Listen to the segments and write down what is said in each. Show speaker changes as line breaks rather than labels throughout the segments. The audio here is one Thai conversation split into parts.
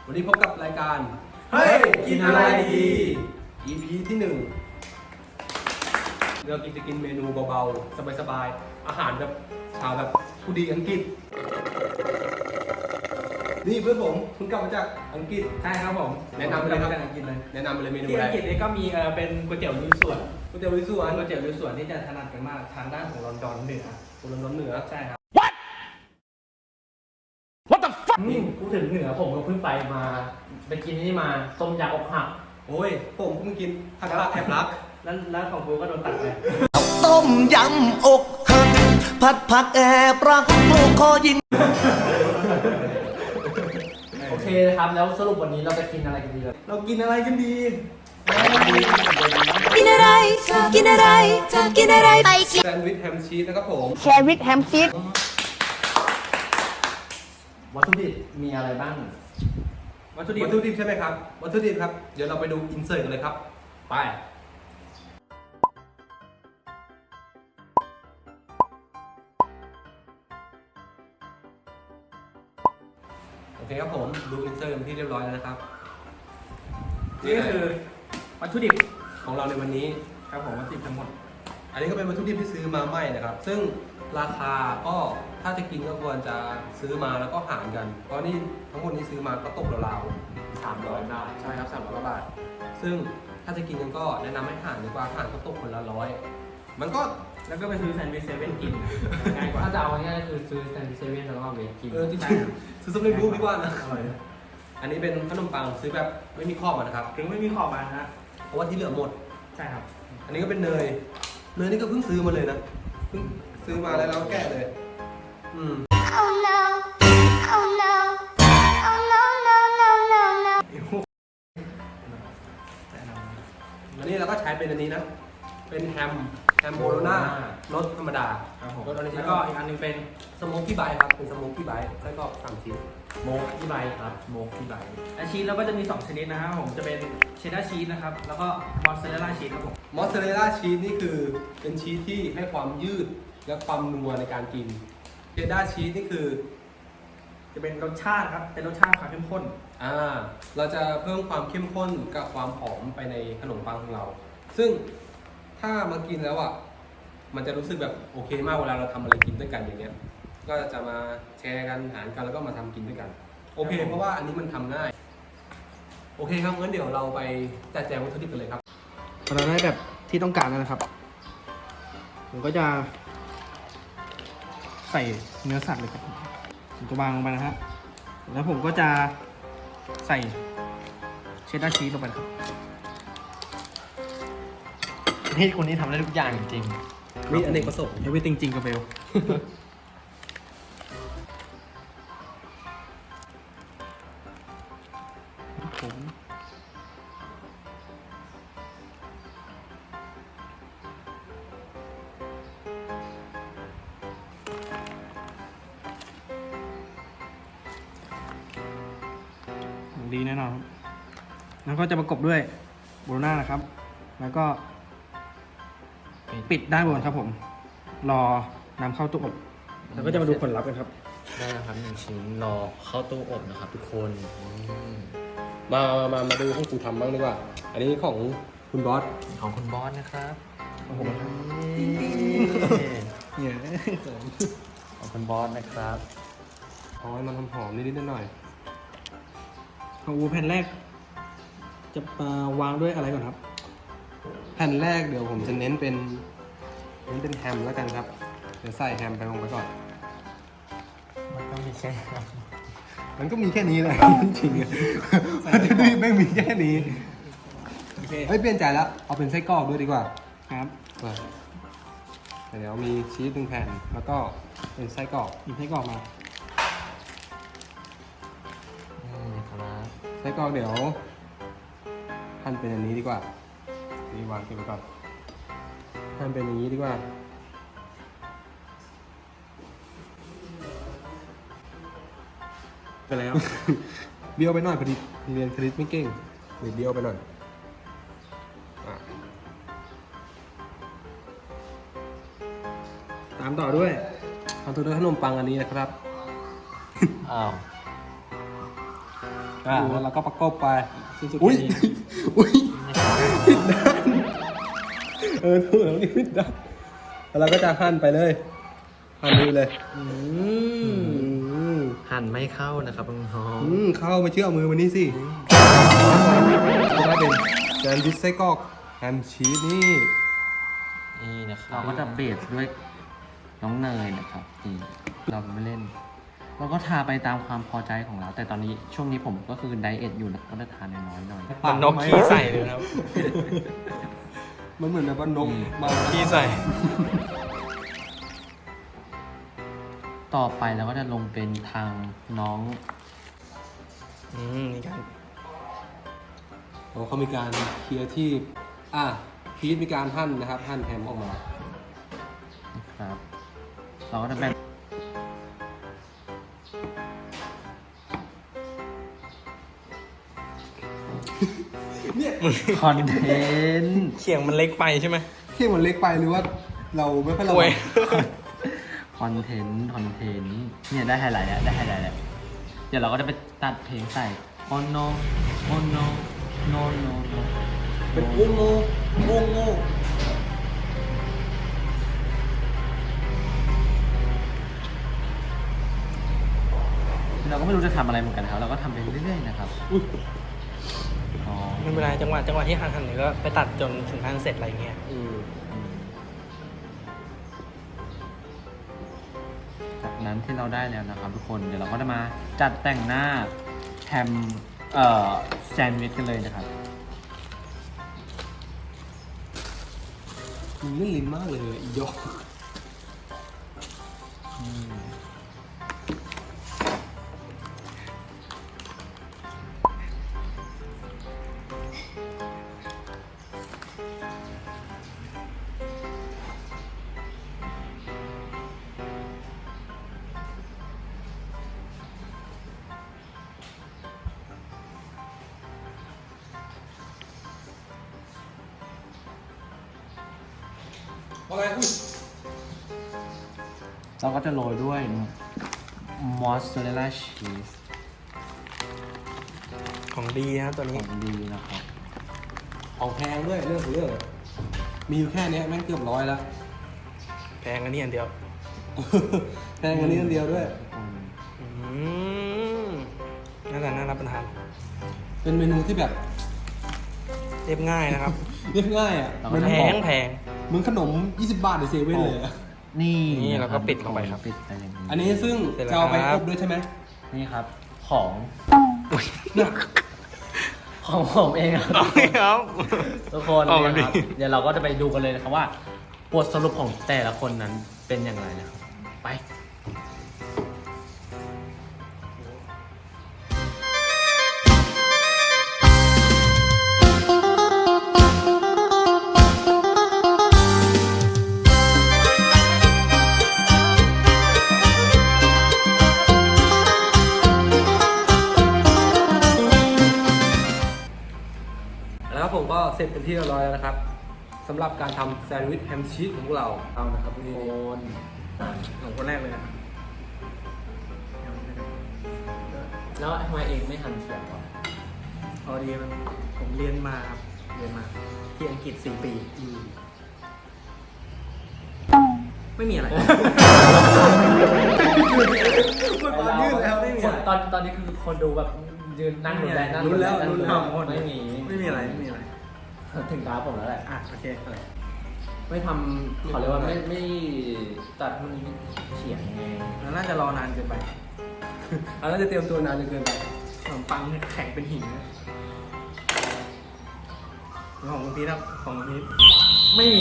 วันนี้พบกับรายการ
เฮ้ยกินอะไรดี
EP ที่1เราจะกินเมนูเบาๆสบายๆอาหารแบบชาวแบบผู้ดีอังกฤษนี่เพื่อนผมเพิ่งกลับมาจากอังกฤษ
ใช่ครับผม
แนะนำเลยครับ
จากอังกฤษเลย
แนะนำเลยเมนู
ที่
อะไร
อังกฤษนี่ก็มีเป็นก๋วยเตี๋ยวลุยสวน
ก๋วยเตี๋ยวลุยสวน
ก๋วยเตี๋ยวลุยสวนที่จะถนัดกันมากทางด้านของลอนดอนเหนือ
คนร้อนเหนือ
ใช่ครับ
นี่พูดถึงเหนือผมก็เพิ่งไปกินนี่มาต้มยำอกหัก
โอ้ยผมเพิ่งกินผักกาดแอบรัก
แล้วของกูก็โดนตัดไป
ต้มยำอกหักผัดผักแอบรักลูกคอยิง
โอเคนะครับแล้วสรุปวันนี้เราจะกินอะไรกันดีเลย
เรากินอะไรกันดี
กินอะไรกินอะไรกินอะไรไปกิน
แซนด์วิชแฮมชีสนะครับผม
แซนด์วิชแฮมชีส
วัตถุดิบมีอะไรบ้าง
วัตถุดิบใช่ไหมครับวัตถุดิบครับเดี๋ยวเราไปดูอินเสิร์ตกันเลยครับไปโอเคครับผมดูอินเสิร์ตเป็นที่เรียบร้อยแล้วนะครับ
นี่ก็คือวัตถุดิบ
ของเราในวันนี้
ครับผมวัตถุดิบทั้งหมด
อันนี้ก็เป็นวัตถุดิบที่ซื้อมาใหม่นะครับ ซึ่งราคาก็ถ้าจะกินก็ควรจะซื้อมาแล้วก็หารกัน เพราะนี่ทั้งหมดนี้ซื้อมาก็ตกราวๆ
300 บาท
ใช่ครับ300 กว่าบาท ซึ่งถ้าจะกินกันก็แนะนำให้หารดีกว่าหารก็ตกคนละ100มันก็
แล้วก็ไปซื้อแซนด์วิชเซเว่นกินง่ายกว่า
ถ้าจะเอาง่ายๆคือซื้อแซนด์วิชเซเว่นแล้วก็เอาไปกิน
จริงๆซื้อสำเร็จรูปดีกว่านะ
อร่อยนะ
อันนี้เป็นขนมปังซื้อแบบไม่มีข้อบนะครับ
ถึงไม่มีขอบมานะฮะ
เพราะว่าที่เหลือหมด
ใช่ครับ
อันนี้ก็เป็นเนยนี่ก็เพิ่งซื้อมาเลยนะเพิ่งซื้อมาแล้วเราแกะเลย
Oh no Oh no Oh no no no no no
อันนี้เราก็ใช้เป็นอันนี้นะ เป็นแฮมโบโลน่ารสธรรมดา
ครับผม
รสออริจิ
แล้ว
น
ก็
อล
อีกอันหนึงเป็น
สโมกกี้ไบต์ครับ เป็นสโมกกี้ไบต์ไส้กรอก3 ชิ้น
โมกที่ใบครับโมกที่ใบ
และชีสเราก็จะมี2ชนิดนะครับผมจะเป็นเชดดาร์ชีสนะครับแล้วก็มอสซาเรลล่าชีสครับผม
มอสซาเรลล่าชีสนี่คือเป็นชีสที่ให้ความยืดและความนัวในการกินเชดดาร์ชีสนี่คือ
จะเป็นรสชาติครับเป็นรสชาติความเข้มข้น
เราจะเพิ่มความเข้มข้นกับความหอมไปในขนมปังของเรา ซึ่งถ้ามากินแล้วอ่ะมันจะรู้สึกแบบโอเคมากเวลาเราทำอะไรกินด้วยกันอย่างเงี้ย ก็จะมาแชร์กันหารกันแล้วก็มาทำกินด้วยกันโอเค เพราะว่าอันนี้มันทำง่ายโอเคครับงั้นเดี๋ยวเราไปจัดแจงวัตถุดิบกันเลยครับ
พอเราได้แบบที่ต้องการแล้วนะครับ ผมก็จะใส่เนื้อสัตว์เลยครับผมจะวางลงไปนะฮะแล้วผมก็จะใส่เชดดาร์ชีสลงไปนะครับ
นี่คนนี้ทำได้ทุกอย่างจริง
มีอเนกประสงค์
เดี๋ยวไปจริงๆกับเบลผมดีแน่นอนครับแล้วก็จะประกบด้วยโบโลน่านะครับ แล้วก็ปิดด้านบนครับผม รอนำเข้าตู้อบแล้วก็จะมาดูผลลัพธ์กันครับ
ได้แล้วครับ1ชิ้นรอเข้าตู้อบนะครับทุกคนอืม
มาดูของกูทำบ้างดีกว่า อันนี้ของคุณบอส
ของคุณบอสนะครับ
โอ้โห
นี่
เนี่ย
ของคุณบอสนะครับ
เอาให้มันหอมๆนิดๆหน่อย
ของอูแผ่นแรก จะวางด้วยอะไรก่อนครับ
ๆแผ่นแรกเดี๋ยวผมจะเน้นเป็นแฮมแล้วกันครับ เดี๋ยวใส่แฮมไปลงไปก่อน
มันต้องมีแค่ครับ
มันก็มีแค่นี้แหละ จริงๆอะมันจะไม่มีแค่นี้
โอเค
เฮ้ยเปลี่ยนใจแล้ว เอาเป็นไส้กรอกด้วยดีกว่า
ครับ
เดี๋ยวมีชีส1 แผ่น แล้วก็เป็นไส้กรอก
หยิบให้กรอกมา
นี่ครับ
ไส้กรอกเดี๋ยวหั่นเป็นอันนี้ดีกว่านี่วางเก็บไว้ก่อนหั่นเป็นอย่างนี้ดีกว่า
ไปแล้ว
เบี้ยวไปหน่อยพอดีเรียนคณิตไม่เก่งหรือเบี้ยวไปหน่อยอ่ะ
ตามต่อด้วย
ทำตัวด้วยขนมปังอันนี้นะครับ
อ้าว
ไปแล้วเราก็ประกบไป
สุดๆ
อุ้ย
ดี
อุ้ยผิดด้านถูกแล้วนี่ผิดด้านแล้วเราก็จะหั่นไปเลยหั่นไปเลย
อืม
อืม
หั่นไม่เข้านะครับน้อง
เข้าไปเชื่อเอามือวันนี้สิจะได้เป็นแซนด์วิชไส้กรอกแฮมชีสนี่
ๆนี่นะครับ
เราก็จะเบสด้วยน้องเนยนะครับนี่เราไม่เล่น เราก็ทาไปตามความพอใจของเรา แต่ตอนนี้ช่วงนี้ผมก็คือไดเอทอยู่นะก็จะทานน้อยๆหน่อย
มันนกขี้ใส่เลยครับ
มันเหมือนแบบว่านกมา
ขี้ใส่
ต่อไปเราก็จะลงเป็นทางน้อง
นี่กัน
เขามีการเคลียร์ที่พีทมีการหั่นนะครับหั่นแฮมออกมา
นะครับ เราก็จะแบ่งคอนเทนต์
เขียงมันเล็กไปใช่ไหม
เที่ยงมันเล็กไปหรือว่าเราไม่ค่อยระ
โอ้
วั
ย
ง
คอนเทนต์เนี่ยได้ไฮไลท์แล้วได้ไฮไลท์แล้ว เดี๋ยวเราก็จะไปตัดเพลงใส่ oh no oh no no no no
เป็นโง่โง่โง่โง่
เราก็ไม่รู้จะทำอะไรเหมือนกันนะครับ เราก็ทำไปเรื่อยๆนะครับอ๋อ
ไม่เป็นไรจังหวะที่หั่นเนี่ยก็ไปตัดจนถึงหั่นเสร็จอะไรเงี้ย
จากนั้นที่เราได้แล้วนะครับทุกคน เดี๋ยวเราก็จะมาจัดแต่งหน้าแฮมแซนด์วิชกันเลยนะครับ
มันเล่นลิ้นมากเลยอีดอก อะไรอุ้ย
เราก็จะโรยด้วยมอสซาเรลล่าชีส
ของดีนะครับตัว
ข
นี้
องดีนะครับ
ของแพงด้วยเรื่องของเรื่องมีอยู่แค่เนี้ยแม่งเกือบ100แล้ว
แพงอันนี้อันเดียว
แพงอันนี้อันเดียวด้วย
น่ารับประทาน
เป็นเมนูที่แบบ
เรียบง่ายนะครับ
เรียบง่ายอ่ะ
เรา
เห
ก็
มือน
จะ
แพง
เหมือนขนม 20 บาทในเซเว่นเลยอะ
นี่
นี่
ะ
เราก็ปิดลงไปครับ
ปิดไปอย่างนี้
อันนี้ซึ่ง
เสร็จแล้ว
จะเอาไป
ครั
อบ บด้วยใช่ไหม
นี่ครับ ของ
เนี่ย
ของผมเองครับ
ครับ
ทุกคน
ออกมา
เนี่ยครับ
ดิ
เดี๋ยวเราก็จะไปดูกันเลยนะครับว่าบทสรุปของแต่ละคนนั้นเป็นอย่างไรนะครับ ไป
แล้วครับผมก็เสร็จเป็นที่เรียบร้อยแล้วนะครับสำหรับการทำแซนด์วิชแฮมชีสของพวกเราเอานะครับทุกคน
ของคนแรกเลยนะ
แล้วทำไมเองไม่หันเสียงวะ
พอดีมันผมเรียนมาครับเรียนมาที่อังกฤษ4 ปี ไม่มีอะไร
ตอนนี้คือคนดูแบบยืนนั่งดูแลนั่ง
รู้แล้ว
นั่ง
รู้
ดู
แล้ว
ไม่มี
ไม่มีอะไรไม่มีอะไร
ถึงตาผมแล้วแหละ
โอเค
ไม่ทำเขาเรียกว่าไม่ตัดมันเฉียงไง
แล้วน่าจะรอนานเกินไป
อันนั้นจะเตรียมตัวนานจนเกินไป
ขนมปังเนี่ยแข็งเป็นหินนะแล้วของคุณพีทครับของคุณพีท
ไม่มี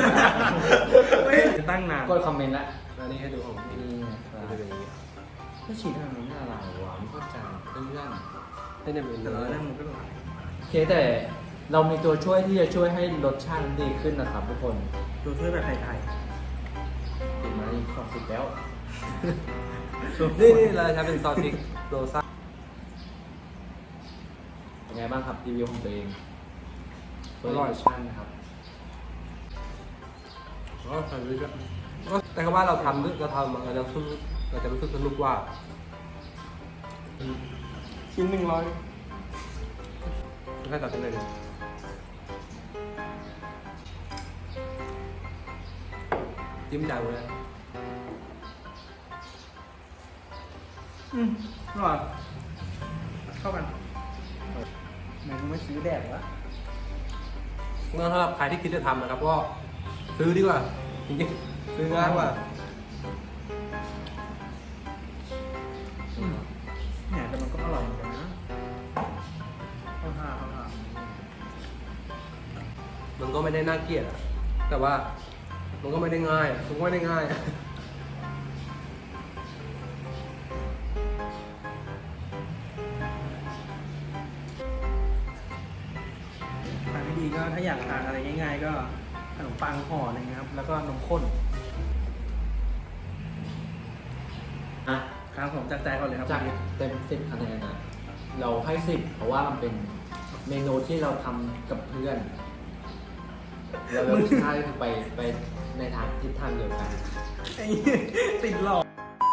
ตั้งนาน
กดคอมเมนต์ละ
อันนี้ให้ดูของพี่
นี่นะครับ
จะเป็นอย่างนี้
ก็ฉีดทางนี้อะไรวะไม่เข้าใจเพื่อน
ให้เนี่ยเป็น
เอ
เนื้
อ
อ
นั่งมันก็หลาย
โอเคแต่เรามีตัวช่วยที่จะช่วยให้รสชาติมันดีขึ้นนะครับทุกคน
ตัวช่วยแบบไทย
ติดมาอีก20แล้ว
นี่เราใช้เป็นซอสพริกโรซ่า
เป็นไงบ้างครับรีวิวของตัวเอง
อร่อย
ชั่นนะครับ
ก็ใส่ไปเยอะแต่ก็ว่าเราทำเราจะรู้สึกสนุกว่า
ๆชิ้น100
แค่ตัดทิ้งเลยดิจิ้มจานเลย
อร่อยเข้ากันไหนกูไม่ซื้อแดกวะ
งั้นสำหรับใครที่คิดจะทำนะครับก็ซื้อดีกว่าจริงๆซื้อง่ายกว่า
เนี่ยแต่มันก็อร่อยเหมือนกันนะข้าวห่า
มันก็ไม่ได้น่าเกลียดอะแต่ว่ามันก็ไม่ได้ง่ายอะมันก็ไม่ได้ง่ายอะ
ทางที่ดีก็ถ้าอยากทานอะไรง่ายๆก็ขนมปังห่อหนึงนะครับ แล้วก็นมข้น
อ่ะ
ครับผมจากใจก่อนเลยครับ
จากเต็ม10คะแนนนะเราให้10เพราะว่ามันเป็นเมนูที่เราทำกับเพื่อนแล้วรสชาติคือไปในทางทิศทางเดียวกัน
ไอ้เหี้ยติดหลอก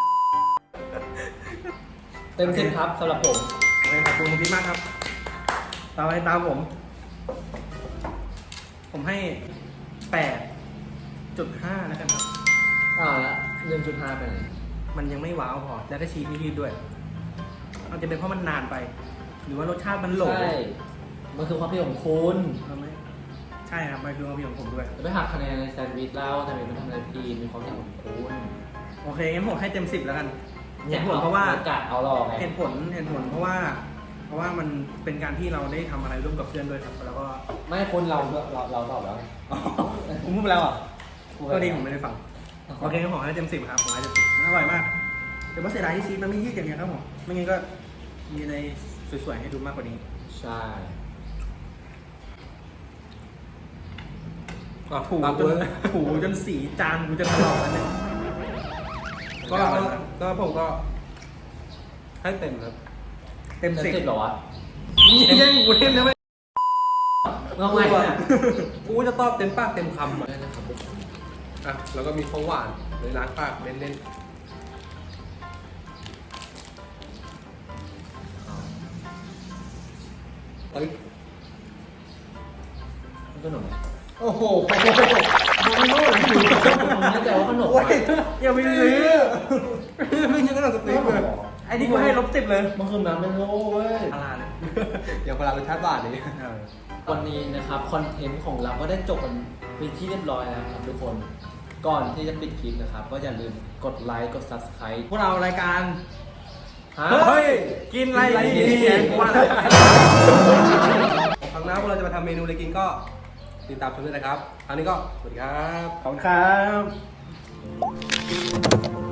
เต็ม10ครับสำหรับผม
โอเคขอบคุณพี่มากครับตามไปตามผม ผมให้8.5แล้วกันครับ
แล้ว1.5ไปไหน
มันยังไม่ว้าวพอ แล้วก็ชีสไม่ยืดด้วยอาจจะเป็นเพราะมันนานไป หรือว่ารสชาติมันโหล
ใช่ มันคือความผิดของคุณ
เอาไหมใช่ครับมันคือความผิดของผมด้วย
จะไปหักคะแนนในแซนด์วิชแล้วแซนด์วิชมันทำอะไรผิดมีความผิดของคุณ
โอเคงั้นผมให้เต็ม 10แล้วกันเห
เนี่ย
ตุผลเพราะว่า
กะเอาหลอกไง
เหตุผลเพราะว่ามันเป็นการที่เราได้ทำอะไรร่วมกับเพื่อนด้วยครับ แล้วก็
ไม่คุณเราตอบแล้วไง
ผมพูดไปแล้วเหรอ่ะ
พูดไป
ก็
แล้ว
ดีผมไม่ได้ฟัง โอเคงั้นผมให้เต็ม 10ครับผมให้เต็ม 10อร่อยมากแต่ว่าเสียดายที่ชีสมันไม่ยืดอย่างเงี้ยครับผมไม่งั้นก็มีอะไรสวยๆให้ดูมากกว่านี้
ใช่
อ่ะ
ถู
ตาม
จ
ตัวน เลย
ถูจนสีจานกูจะถลอกแล้วเนี่ย
ก็ผมก็ให้เต็มครับ
เต็ม
เต็ม
10
10เหรอวะ
แย่งกูเต็มแล้วไหม
เมื่อไงเนี่ย
กูจะตอบเต็มปากเต็มคำอะ
ได้นะครับ
อ่ะแล้วก็มีของหวานเลยล้างปากเล่นๆเฮ้ย
ขนม
โอ้โห
มันไม่รู้เลยผมแน่ใจว่าขนม
โอ้ยอย่าไปซื้อ
ไม่ใช่ขนมสติ๊กเลย
ไอ้นี่กูให้ลบ10เลย
มันคือน้ำเป็นโลเว้ย
พาราเลย
อย่างเวลารสชาติหวานนี่
วันนี้นะครับคอนเทนต์ของเราก็ได้จบกันเป็นที่เรียบร้อยแล้วครับทุกคน ก่อนที่จะปิดคลิปนะครับ ก็อย่าลืมกดไลค์กด subscribe
พวกเรารายการ
ฮะ
เฮ้ย กินอะไรดีกูว่าแล้ว
ครั้งหน้าพวกเราจะมาทำเมนูอะไรกินก็ติดตามชมด้วยนะครับครั้งนี้ก็สวัสดีครับ
ขอบคุณครับ